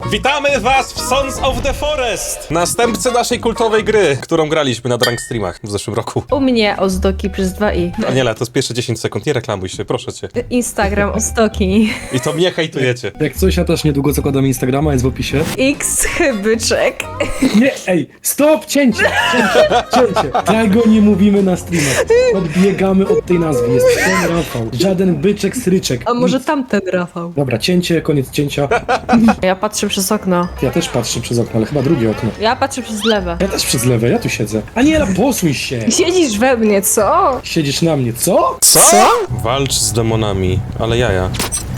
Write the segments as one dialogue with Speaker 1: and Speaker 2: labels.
Speaker 1: Witamy was w Sons of the Forest! Następcy naszej kultowej gry, którą graliśmy na Drunk Streamach w zeszłym roku.
Speaker 2: U mnie Ozdoki przez 2i.
Speaker 1: Aniela, to jest pierwsze 10 sekund, nie reklamuj się, proszę cię.
Speaker 2: Instagram Ozdoki.
Speaker 1: I to mnie hejtujecie.
Speaker 3: Jak coś, ja też niedługo zakładam Instagrama, jest w opisie.
Speaker 2: X Chybyczek.
Speaker 3: Nie, ej, stop, cięcie! Tego nie mówimy na streamach. Odbiegamy od tej nazwy, jest ten Rafał. Żaden byczek, sryczek.
Speaker 2: A może tamten Rafał?
Speaker 3: Dobra, cięcie, koniec cięcia.
Speaker 2: Ja patrzę przez okno.
Speaker 3: Ja też patrzę przez okno, ale chyba drugie okno.
Speaker 2: Ja patrzę przez lewe.
Speaker 3: Ja też przez lewe, ja tu siedzę. Aniela, posuń się!
Speaker 2: Siedzisz we mnie, co?
Speaker 3: Siedzisz na mnie, co?
Speaker 1: Co? Walcz z demonami, ale jaja.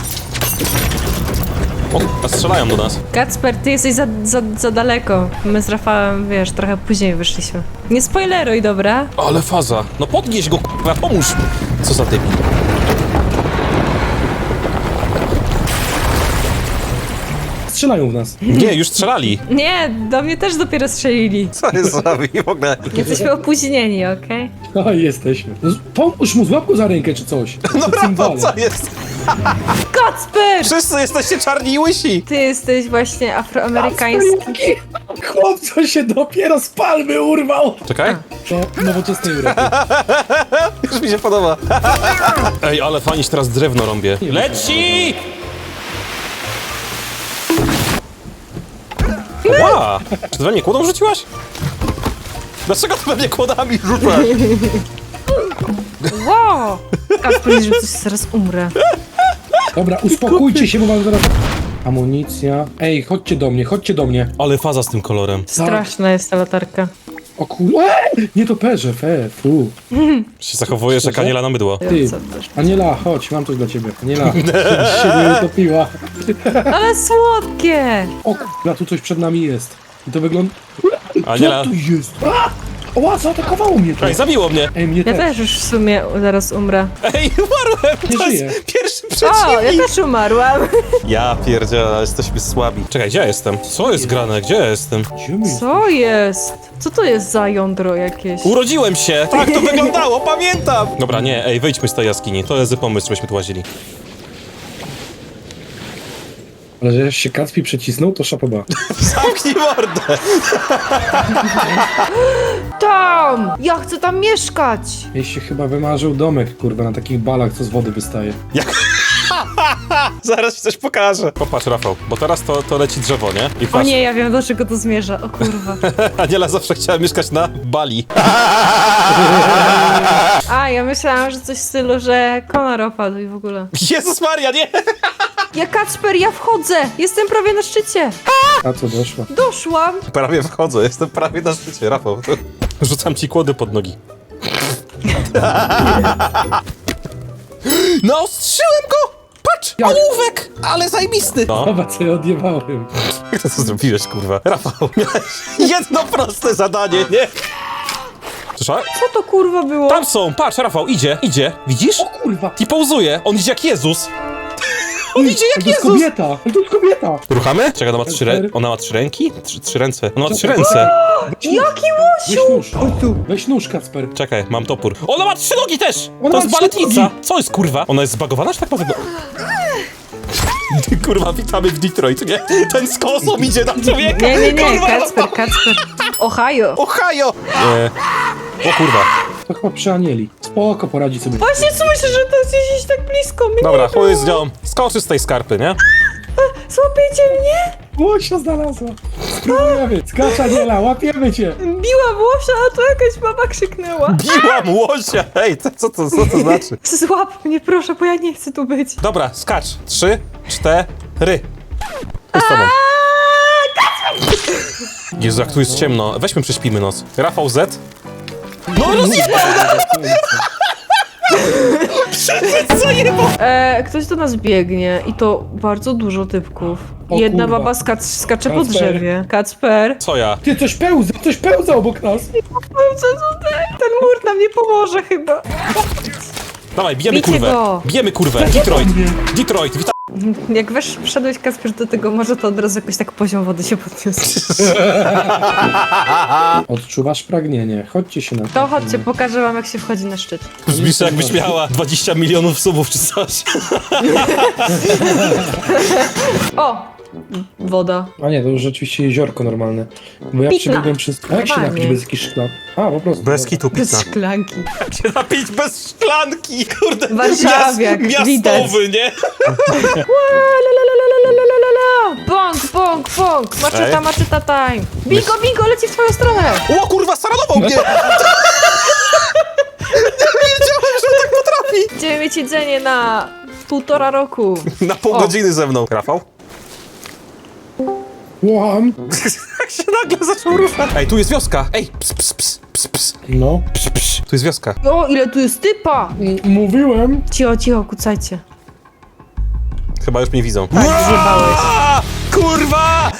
Speaker 1: O, a strzelają do nas.
Speaker 2: Kacper, ty jesteś za daleko. My z Rafałem, wiesz, trochę później wyszliśmy. Nie spoileruj, dobra?
Speaker 1: Ale faza. No podnieś go, k***a, pomóż. Co za debil.
Speaker 3: Strzelają w nas.
Speaker 1: Nie, już strzelali.
Speaker 2: Nie, do mnie też dopiero strzelili.
Speaker 1: Co jest za w ogóle?
Speaker 2: Jesteśmy opóźnieni, okej?
Speaker 3: A, jesteśmy. No, pomóż mu, złap go za rękę czy coś.
Speaker 1: No Rafał, co jest?
Speaker 2: Kacper!
Speaker 1: Wszyscy jesteście czarni i łysi.
Speaker 2: Ty jesteś właśnie afroamerykański.
Speaker 3: Chłopco się dopiero z palmy urwał!
Speaker 1: Czekaj.
Speaker 3: To nowoczesnej Europy.
Speaker 1: Już mi się podoba. Ej, ale fajnie teraz drewno rąbię. Leci! Ła! Czy ty we mnie kłodą rzuciłaś? Dlaczego ty we mnie kłodami rzucasz?
Speaker 2: Wow! Kacper, że coś zaraz umrę.
Speaker 3: Dobra, uspokójcie się, bo mam zaraz... Amunicja. Ej, chodźcie do mnie, chodźcie do mnie.
Speaker 1: Ale faza z tym kolorem.
Speaker 2: Straszna jest ta latarka.
Speaker 3: O kur... Nie to perze, fu.
Speaker 1: Się zachowujesz jak Aniela na mydło.
Speaker 3: Ty,
Speaker 2: Co też?
Speaker 3: Aniela, chodź, mam coś dla ciebie. Aniela, żebyś się nie utopiła.
Speaker 2: Ale słodkie!
Speaker 3: O kurwa, tu coś przed nami jest. I to wygląda...
Speaker 1: Aniela.
Speaker 3: Co tu jest? Ła, zaatakowało mnie to.
Speaker 1: Ej, zabiło mnie.
Speaker 3: Ej, mnie
Speaker 2: Ja
Speaker 3: też.
Speaker 2: też już w sumie zaraz umrę.
Speaker 1: Ej, umarłem.
Speaker 3: Nie
Speaker 1: To
Speaker 3: żyję.
Speaker 1: jest pierwszy
Speaker 2: O, ja
Speaker 1: przeciwnik.
Speaker 2: też umarłam.
Speaker 1: Ja pierdzielę, jesteśmy słabi. Czekaj, gdzie ja jestem? Co jest grane? Gdzie ja jestem?
Speaker 3: Gdzie my jest?
Speaker 2: Co jest? Co to jest za jądro jakieś?
Speaker 1: Urodziłem się! Tak to wyglądało, pamiętam! Dobra, nie, ej, wyjdźmy z tej jaskini. To jest pomysł, żebyśmy tu łazili.
Speaker 3: Ale że jak się Kacpi przycisnął, to szapoba.
Speaker 1: Zamknij mordę!
Speaker 2: Tam! Ja chcę tam mieszkać!
Speaker 3: Jej się chyba wymarzył domek, kurwa, na takich balach, co z wody wystaje.
Speaker 1: Zaraz ci coś pokażę. Popatrz, Rafał, bo teraz to leci drzewo, nie? I
Speaker 2: O
Speaker 1: patrz,
Speaker 2: nie, ja wiem do czego to zmierza. O kurwa.
Speaker 1: Aniela zawsze chciała mieszkać na Bali.
Speaker 2: A, ja myślałam, że coś w stylu, że konar opadł i w ogóle.
Speaker 1: Jezus Maria, nie!
Speaker 2: Ja Kacper, ja wchodzę! Jestem prawie na szczycie!
Speaker 3: A co doszło?
Speaker 2: Doszłam!
Speaker 1: Prawie wchodzę, jestem prawie na szczycie, Rafał. Rzucam ci kłody pod nogi. Naostrzyłem go! Patrz!
Speaker 3: Jak?
Speaker 1: Ołówek! Ale zajebisty! No.
Speaker 3: Zobacz, co ja odjebałem.
Speaker 1: Jak to co zrobiłeś, kurwa? Rafał, miałeś jedno proste zadanie, nie? Słyszałeś?
Speaker 2: Co to kurwa było?
Speaker 1: Tam są, patrz, Rafał, idzie, widzisz?
Speaker 3: O kurwa!
Speaker 1: I pauzuje, on idzie jak Jezus. On idzie jak
Speaker 3: To jest
Speaker 1: Jezus.
Speaker 3: kobieta! To jest kobieta!
Speaker 1: Ruchamy? Czekaj, ona ma 3 ręki? Trzy ręce. Ona ma 3 ręce.
Speaker 2: Jaki
Speaker 3: Weź nóż! Chodź tu! Weź nóż, Kacper!
Speaker 1: Czekaj, mam topór. Ona ma 3 nogi też!
Speaker 3: Ona
Speaker 1: To
Speaker 3: ma
Speaker 1: jest
Speaker 3: 3
Speaker 1: baletnica.
Speaker 3: nogi.
Speaker 1: Co jest, kurwa? Ona jest zbagowana, czy tak ma wyglądać? Kurwa, witamy w Detroit, nie? Ten z kosą idzie na człowieka.
Speaker 2: Nie,
Speaker 1: Kurwa,
Speaker 2: Kacper. Ohio.
Speaker 1: Ohio! O kurwa.
Speaker 3: To chyba przy Anieli. Spoko, poradzi sobie.
Speaker 2: Właśnie słyszę, że to jest gdzieś tak blisko mnie.
Speaker 1: Dobra, chuj z nią. Skoczy z tej skarpy, nie?
Speaker 2: Złapiecie mnie?
Speaker 3: Łosia znalazła! Spróbujemy! Skacz, Aniela, łapiemy cię!
Speaker 2: Biłam łosia, a to jakaś baba krzyknęła.
Speaker 1: Biłam łosia! Hej, co to znaczy?
Speaker 2: Złap mnie proszę, bo ja nie chcę tu być.
Speaker 1: Dobra, skacz. 3, 4. Chodź z tobą. Jezu, jak tu jest ciemno. Weźmy, prześpimy noc. Rafał Z. No rozjebał!
Speaker 2: Ktoś do nas biegnie i to bardzo dużo typków.
Speaker 3: O
Speaker 2: Jedna
Speaker 3: kurwa.
Speaker 2: baba skacze po
Speaker 3: Kacper.
Speaker 2: drzewie. Kacper.
Speaker 1: Co ja?
Speaker 3: Ty, coś pełza obok nas!
Speaker 2: Co tutaj? Ten mur nam nie pomoże chyba.
Speaker 1: Dawaj, bijemy
Speaker 2: Bijcie
Speaker 1: kurwę.
Speaker 2: go.
Speaker 1: Bijemy kurwę. Detroit. Detroit, witam.
Speaker 2: Jak wszedłeś Kacper do tego morza, to od razu jakoś tak poziom wody się podniósł.
Speaker 3: Odczuwasz pragnienie. Chodźcie się na
Speaker 2: To chodźcie, pokażę wam jak się wchodzi na szczyt.
Speaker 1: Brzmisz jakbyś miała 20 milionów subów czy coś.
Speaker 2: O! woda.
Speaker 3: A nie, to już rzeczywiście jeziorko normalne. Bo ja
Speaker 2: Pitna.
Speaker 3: przebiegłem przez... A jak się
Speaker 2: Normalnie.
Speaker 3: napić bez jakichś szklan? A, po prostu.
Speaker 1: Bez
Speaker 3: dobra.
Speaker 1: kitu
Speaker 2: Bez
Speaker 1: pizza.
Speaker 2: szklanki.
Speaker 1: Się napić bez szklanki, kurde.
Speaker 2: Warszawiak,
Speaker 1: miastowy, nie?
Speaker 2: Bąk, bąk, bąk! Maczeta,
Speaker 1: Ej.
Speaker 2: maczeta time! Bingo, bingo, leci w twoją stronę!
Speaker 1: O kurwa, staranował mnie! Nie wiedziałem, że on tak potrafi!
Speaker 2: Będziemy mieć jedzenie na 1,5 roku.
Speaker 1: Na pół
Speaker 2: O.
Speaker 1: godziny ze mną. Rafał?
Speaker 3: Łam!
Speaker 1: Jak się nagle zaczął ruszać. Ej, tu jest wioska! Ej, ps, ps, ps, ps, ps.
Speaker 3: No.
Speaker 1: Tu jest wioska.
Speaker 2: O, ile tu jest typa!
Speaker 3: Mówiłem.
Speaker 2: Cicho, cicho, kucajcie.
Speaker 1: Chyba już mnie widzą.
Speaker 2: Tak, zjebałeś.
Speaker 1: A, kurwa!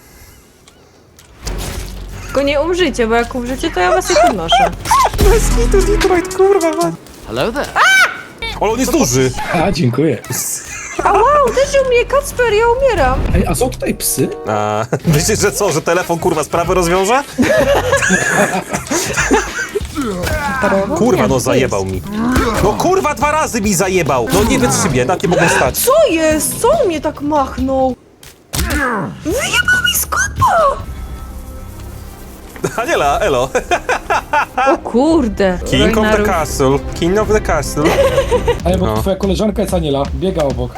Speaker 2: Tylko nie umrzyjcie, bo jak umrzycie, to ja was nie podnoszę.
Speaker 1: Bez kitu, Detroit, kurwa, man.
Speaker 4: Hello there.
Speaker 1: Ale on jest duży.
Speaker 3: A, dziękuję.
Speaker 2: A wow, uderzył mnie Kacper, ja umieram.
Speaker 3: Ej, a są tutaj psy?
Speaker 1: A, myślisz, że co, że telefon kurwa sprawę rozwiąże? Kurwa, no zajebał mi. No kurwa, 2 razy mi zajebał. No nie wytrzymie, na tym mogę stać.
Speaker 2: Co jest? Co on mnie tak machnął? Wyjebał mi z kopa!
Speaker 1: Aniela, elo.
Speaker 2: O kurde.
Speaker 1: King of the
Speaker 2: Rojnarów.
Speaker 1: castle. King of the castle.
Speaker 3: Ej, bo
Speaker 1: No.
Speaker 3: twoja koleżanka jest Aniela. Biega obok.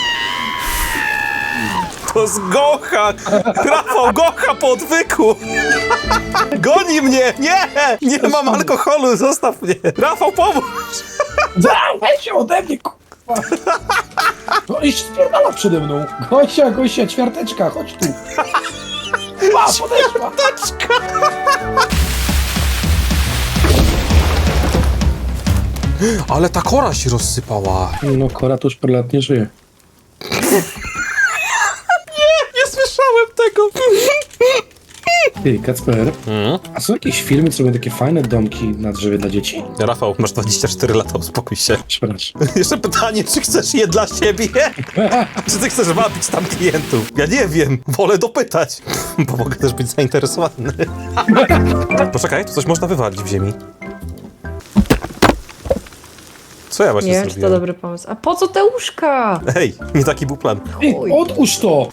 Speaker 1: To z Gocha! Rafał, Gocha po odwyku! Goni mnie! Nie! Nie mam alkoholu, zostaw mnie! Rafał, pomóż!
Speaker 3: Weź się ode mnie, kurwa! No i spierdala przede mną. Gosia, Gosia, ćwiarteczka, chodź tu. Pa, podeszła.
Speaker 1: Ale ta kora się rozsypała.
Speaker 3: No, Kora to już parę lat nie żyje.
Speaker 1: Nie słyszałem tego!
Speaker 3: Ty, Kacper, a są jakieś filmy, co robią takie fajne domki na drzewie dla dzieci?
Speaker 1: Rafał, masz 24 lata, uspokój się.
Speaker 3: Przepraszam.
Speaker 1: Jeszcze pytanie, czy chcesz je dla siebie? Czy ty chcesz wabić tam klientów? Ja nie wiem, wolę dopytać, bo mogę też być zainteresowany. Poczekaj, tu coś można wywalić w ziemi. Co ja właśnie
Speaker 2: Nie wiem, czy to
Speaker 1: zrobiłem?
Speaker 2: dobry pomysł. A po co te łóżka?
Speaker 1: Hej, nie taki był plan.
Speaker 3: Ej, odłóż to!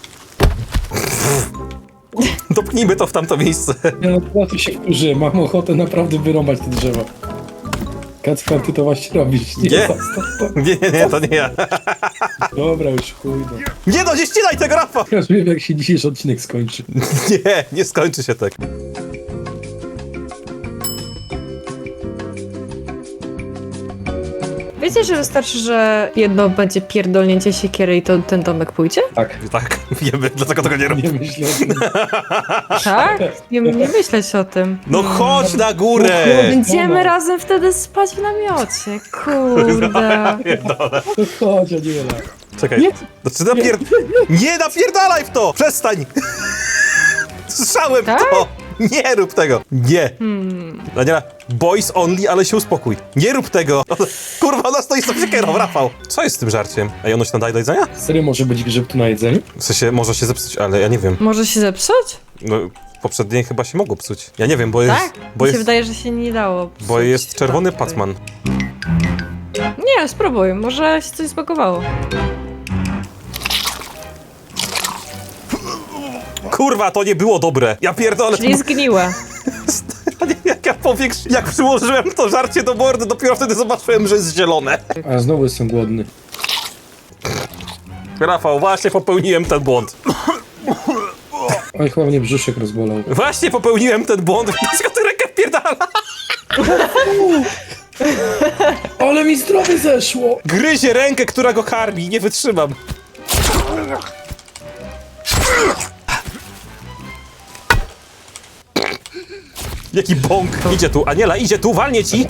Speaker 1: Dopnijmy to w tamto miejsce.
Speaker 3: Ja naprawdę się wkurzy, mam ochotę naprawdę wyrąbać te drzewa. Kacper, ty to właśnie robisz.
Speaker 1: Nie.
Speaker 3: zostaw to.
Speaker 1: Nie, to nie ja.
Speaker 3: Dobra, już chuj. No.
Speaker 1: Nie no, nie ścinaj tego, Rafał!
Speaker 3: Ja już wiem, jak się dzisiejszy odcinek skończy.
Speaker 1: Nie skończy się tak.
Speaker 2: Wiecie, że wystarczy, że jedno będzie pierdolnięcie siekiery i to ten domek pójdzie?
Speaker 3: Tak,
Speaker 1: Tak, wiemy, dlaczego tego nie robię.
Speaker 3: nie myślę o tym.
Speaker 2: Tak? Nie myśleć o tym.
Speaker 1: No chodź na górę!
Speaker 2: Będziemy razem wtedy spać w namiocie. Kurde.
Speaker 1: Pierdolę.
Speaker 3: To chodź, Aniela.
Speaker 1: Czekaj,
Speaker 3: Nie.
Speaker 1: znaczy nie napierdalaj w to! Przestań! Słyszałem
Speaker 2: Tak?
Speaker 1: to! Nie rób tego! Nie! Daniela, boys only, ale się uspokój. Nie rób tego! Kurwa, ona stoi z tą siekierą, Rafał! Co jest z tym żarciem? Ej, ono się nadaje do jedzenia?
Speaker 3: Serio może być grzyb tu na jedzeniu?
Speaker 1: W sensie, może się zepsuć, ale ja nie wiem.
Speaker 2: Może się zepsuć?
Speaker 1: No, poprzednie chyba się mogło psuć. Ja nie wiem, bo jest...
Speaker 2: Tak?
Speaker 1: Bo
Speaker 2: Mi się
Speaker 1: jest,
Speaker 2: wydaje, że się nie dało.
Speaker 1: bo
Speaker 2: psuć.
Speaker 1: jest czerwony
Speaker 2: Tak,
Speaker 1: pacman.
Speaker 2: Nie, spróbuj. Może się coś zbagowało.
Speaker 1: Kurwa, to nie było dobre! Ja pierdolę!
Speaker 2: Czyli zgniłe.
Speaker 1: Jak ja jak przyłożyłem to żarcie do mordy, dopiero wtedy zobaczyłem, że jest zielone.
Speaker 3: A znowu jestem głodny.
Speaker 1: Rafał, właśnie popełniłem ten błąd.
Speaker 3: Oj, chyba mnie brzuszek rozbolał.
Speaker 1: Właśnie popełniłem ten błąd. Dlaczego ty rękę wpierdala?
Speaker 3: Ale mi zdrowie zeszło!
Speaker 1: Gryzie rękę, która go karmi. Nie wytrzymam. Jaki bąk. Idzie tu. Aniela, idzie tu. Walnie ci.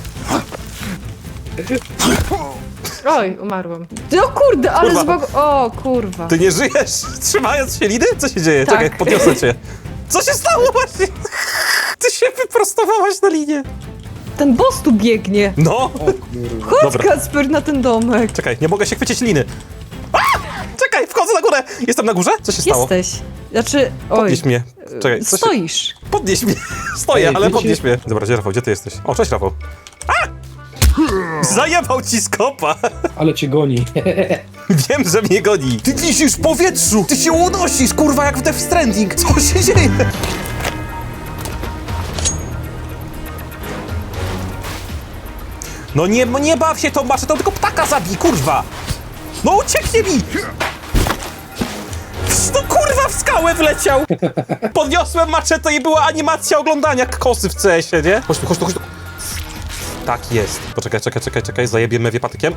Speaker 2: Oj, umarłam. O kurde, ale
Speaker 1: Kurwa.
Speaker 2: O kurwa.
Speaker 1: Ty nie żyjesz, trzymając się liny? Co się dzieje?
Speaker 2: Tak.
Speaker 1: Czekaj, podniosę cię. Co się stało właśnie? Ty się wyprostowałaś na linię.
Speaker 2: Ten boss tu biegnie.
Speaker 1: No.
Speaker 2: Chodź,
Speaker 1: Dobra.
Speaker 2: Kacper, na ten domek.
Speaker 1: Czekaj, nie mogę się chwycić liny. A! Czekaj, wchodzę na górę. Jestem na górze? Co się stało?
Speaker 2: Jesteś. Znaczy, oj.
Speaker 1: Podnieś mnie. Czekaj, co się...
Speaker 2: Stoisz.
Speaker 1: Podnieś mnie. Stoję,
Speaker 3: Ej,
Speaker 1: ale
Speaker 3: wiecie-
Speaker 1: podnieś mnie. Dobra, gdzie Rafał? Gdzie ty jesteś? O, cześć Rafał. A! Zajebał ci skopa.
Speaker 3: Ale cię goni.
Speaker 1: Wiem, że mnie goni. Ty wisisz w powietrzu. Ty się unosisz, kurwa, jak w Death Stranding. Co się dzieje? No nie baw się tą maczetą, tylko ptaka zabij, kurwa. No ucieknie mi. No kurwa, w skałę wleciał. Podniosłem maczetę i była animacja oglądania jak kosy w CS-ie, nie? Chodź tu. Tak jest. Poczekaj, zajebię mewie patykiem.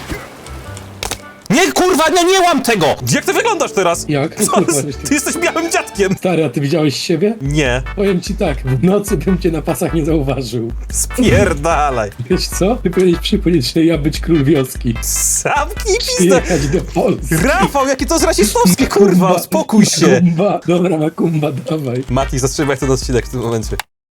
Speaker 1: Nie, kurwa, nie łam tego! Jak ty wyglądasz teraz?
Speaker 3: Jak?
Speaker 1: Co? Ty jesteś białym dziadkiem!
Speaker 3: Stary, a ty widziałeś siebie?
Speaker 1: Nie,
Speaker 3: Powiem ci tak, w nocy bym cię na pasach nie zauważył.
Speaker 1: spierdalaj.
Speaker 3: Wiesz co? Ty powinieneś przypomnieć, że ja być król wioski.
Speaker 1: Zamknij pizdę!
Speaker 3: Przyjechać do Polski.
Speaker 1: Rafał, jakie to jest rasistowskie, kurwa, uspokój się!
Speaker 3: Makumba. Dobra, Makumba, dawaj.
Speaker 1: Mati, zatrzymaj ten odcinek w tym momencie.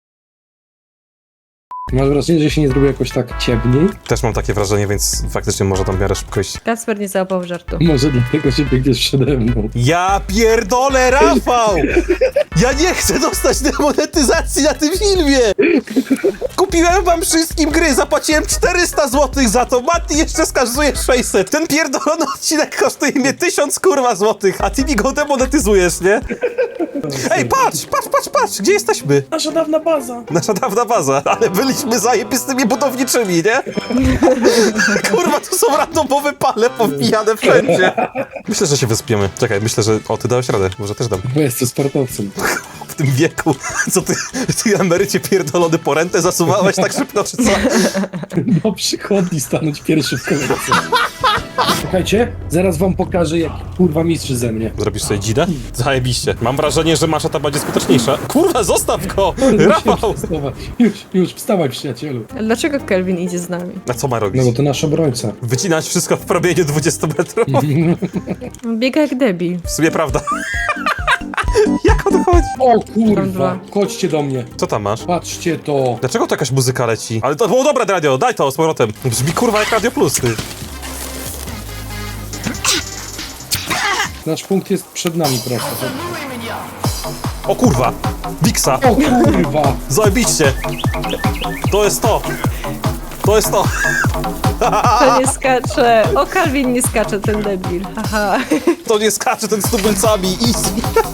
Speaker 3: Masz wrażenie, że się nie zrobiło jakoś tak ciemniej?
Speaker 1: Też mam takie wrażenie, więc faktycznie może tam w miarę szybko iść.
Speaker 2: Kacper nie załapał żartu.
Speaker 3: Może dlatego, że biegniesz przede mną.
Speaker 1: Ja pierdolę, Rafał! Ja nie chcę dostać demonetyzacji na tym filmie! Kupiłem wam wszystkim gry, zapłaciłem 400 zł za to, Mati jeszcze skazuje 600. Ten pierdolony odcinek kosztuje mnie 1000 kurwa złotych, a ty mi go demonetyzujesz, nie? Ej, patrz, gdzie jesteśmy?
Speaker 3: Nasza dawna baza.
Speaker 1: Nasza dawna baza, ale byliśmy zajebistymi budowniczymi, nie? Kurwa, tu są randomowe pale powbijane wszędzie. Myślę, że się wyspiemy. Czekaj, myślę, że... O, ty dałeś radę, może też dam.
Speaker 3: Bo jesteś sportowcem.
Speaker 1: W tym wieku, co ty emerycie pierdolony po rentę zasuwałeś tak szybko, czy co?
Speaker 3: No przychodni stanąć pierwszy w kolejce. Słuchajcie, zaraz wam pokażę, jak kurwa mistrz ze mnie.
Speaker 1: Zrobisz sobie dzidę? Zajebiście. Mam wrażenie, że masza ta będzie skuteczniejsza. Kurwa, zostaw go! Rafał!
Speaker 3: Już, wstawaj przyjacielu.
Speaker 2: Ale dlaczego Kelvin idzie z nami?
Speaker 1: A co ma robić?
Speaker 3: No bo to nasz obrońca.
Speaker 1: Wycinać wszystko w promieniu 20 metrów?
Speaker 2: Biega jak debil.
Speaker 1: W sumie prawda. Jak on chodzi?
Speaker 3: O
Speaker 2: Tam
Speaker 3: kurwa,
Speaker 2: dwa.
Speaker 3: chodźcie do mnie.
Speaker 1: Co tam masz?
Speaker 3: Patrzcie to.
Speaker 1: Dlaczego to jakaś muzyka leci? Ale to było dobre radio, daj to z powrotem. Brzmi kurwa jak Radio Plus, ty.
Speaker 3: Nasz punkt jest przed nami prosto.
Speaker 1: O kurwa! Wiksa!
Speaker 3: O kurwa.
Speaker 1: Zajebiście! To jest to! To jest to!
Speaker 2: To nie skacze. O, Kelvin nie skacze, ten debil. Haha.
Speaker 1: To nie skacze ten z tubylcami! Easy!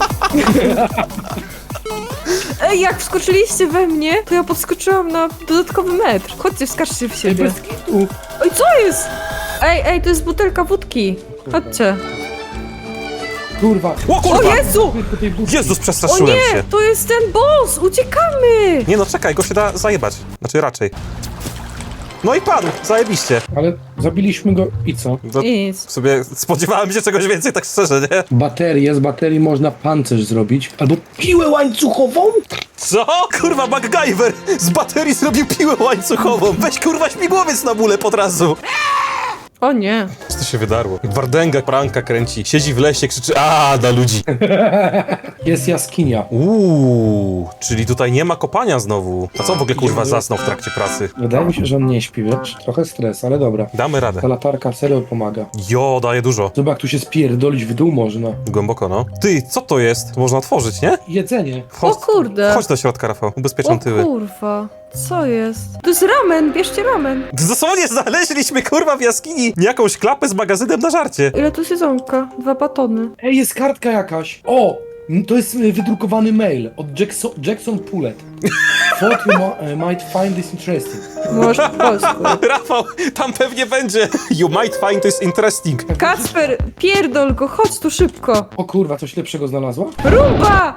Speaker 2: Ej, jak wskoczyliście we mnie, to ja podskoczyłam na dodatkowy metr. Chodźcie, wskaczcie w siebie.
Speaker 3: Bez kitu.
Speaker 2: Oj, co jest? Ej, to jest butelka wódki. Chodźcie.
Speaker 3: Kurwa.
Speaker 1: O
Speaker 2: O
Speaker 1: kurwa!
Speaker 2: Jezu!
Speaker 3: Po tej budce.
Speaker 1: Jezus,
Speaker 2: O
Speaker 1: przestraszyłem
Speaker 2: nie,
Speaker 1: się.
Speaker 2: to jest ten boss! Uciekamy!
Speaker 1: Nie no, czekaj, go się da zajebać. Znaczy raczej. No i padł, zajebiście.
Speaker 3: Ale zabiliśmy go i co?
Speaker 1: To
Speaker 2: I nic.
Speaker 1: w sobie spodziewałem się czegoś więcej, tak szczerze, nie?
Speaker 3: Z baterii można pancerz zrobić. Albo piłę łańcuchową?
Speaker 1: Co? Kurwa, MacGyver z baterii zrobił piłę łańcuchową. Weź kurwa śmigłowiec na bóle pod razu.
Speaker 2: O nie.
Speaker 1: Co to się wydarło? Wardęga pranka kręci. Siedzi w lesie, krzyczy a dla ludzi.
Speaker 3: Jest jaskinia.
Speaker 1: Czyli tutaj nie ma kopania znowu. A co w ogóle kurwa zasnął w trakcie pracy?
Speaker 3: Wydaje mi się, że on nie śpi, wiesz? Trochę stres, ale dobra.
Speaker 1: Damy radę.
Speaker 3: Ta latarka serio pomaga.
Speaker 1: Jo, daje dużo.
Speaker 3: Zobacz, jak tu się spierdolić w dół można.
Speaker 1: Głęboko, no. Ty, co to jest? To można otworzyć, nie?
Speaker 3: Jedzenie.
Speaker 2: O kurde.
Speaker 1: Chodź do środka, Rafał. Ubezpieczam
Speaker 2: O
Speaker 1: tyły.
Speaker 2: kurwa. Co jest? To jest ramen, bierzcie ramen.
Speaker 1: Dosłownie znaleźliśmy kurwa w jaskini jakąś klapę z magazynem na żarcie.
Speaker 2: Ile tu jest jedzonka? 2 batony.
Speaker 3: Ej, jest kartka jakaś. O! To jest wydrukowany mail od Jackson Pullet. Thought you might find this interesting.
Speaker 2: Może po polsku.
Speaker 1: Rafał, tam pewnie będzie. You might find this interesting.
Speaker 2: Kacper, pierdol go, chodź tu szybko.
Speaker 3: O kurwa, coś lepszego znalazła?
Speaker 2: Rumba!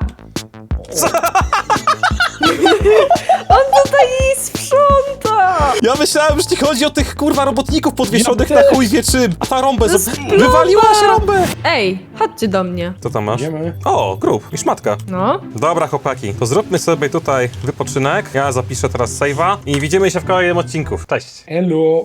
Speaker 2: On tutaj jej sprząta!
Speaker 1: Ja myślałem, że ci chodzi o tych kurwa robotników podwieszonych
Speaker 3: Ja
Speaker 1: na
Speaker 3: też.
Speaker 1: chuj wie czym. A ta rąbę
Speaker 2: To jest plomba!
Speaker 1: wywaliła się rąbę.
Speaker 2: Ej, chodźcie do mnie.
Speaker 1: Co tam masz?
Speaker 3: Idziemy.
Speaker 1: O, grób i szmatka.
Speaker 2: No.
Speaker 1: Dobra chłopaki, to zróbmy sobie tutaj wypoczynek. Ja zapiszę teraz save'a i widzimy się w kolejnym odcinku. Cześć.
Speaker 3: Elo.